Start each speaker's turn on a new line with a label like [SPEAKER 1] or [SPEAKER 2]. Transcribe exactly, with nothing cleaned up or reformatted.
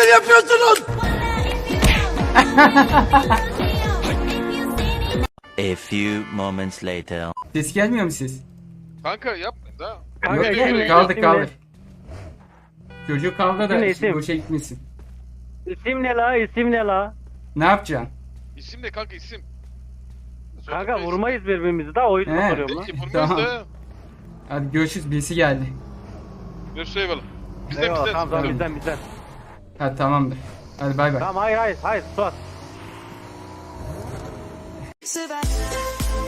[SPEAKER 1] neler yapıyorsunuz?
[SPEAKER 2] A few moments later.
[SPEAKER 3] Ses gelmiyor mu ses?
[SPEAKER 4] Kanka yapmayın da.
[SPEAKER 5] Kanka
[SPEAKER 3] Yok,
[SPEAKER 5] isim
[SPEAKER 3] yok,
[SPEAKER 5] ne?
[SPEAKER 3] kaldır
[SPEAKER 5] İsim
[SPEAKER 3] kaldır.
[SPEAKER 5] ne?
[SPEAKER 3] Çocuk kavga da
[SPEAKER 5] İsim ne, isim?
[SPEAKER 3] boşa gitmesin.
[SPEAKER 5] İsim ne la? İsim ne la?
[SPEAKER 3] Ne yapacaksın?
[SPEAKER 4] İsim ne kanka isim?
[SPEAKER 5] Kanka
[SPEAKER 4] Söyle,
[SPEAKER 5] vurmayız birbirimizi da o yüzden
[SPEAKER 3] He.
[SPEAKER 5] soruyorum lan.
[SPEAKER 4] Peki vurmayız
[SPEAKER 3] Tamam.
[SPEAKER 4] da.
[SPEAKER 3] Hadi görüşürüz, birisi geldi.
[SPEAKER 4] Görüşürüz eyvallah. Bizden
[SPEAKER 5] Eyvallah
[SPEAKER 4] bizden.
[SPEAKER 5] tamam tamam
[SPEAKER 3] Tamam.
[SPEAKER 5] bizden bizden.
[SPEAKER 3] Hadi tamamdır. Hadi bay bay.
[SPEAKER 5] Tamam hayır hayır hayır Suat.
[SPEAKER 6] Survive.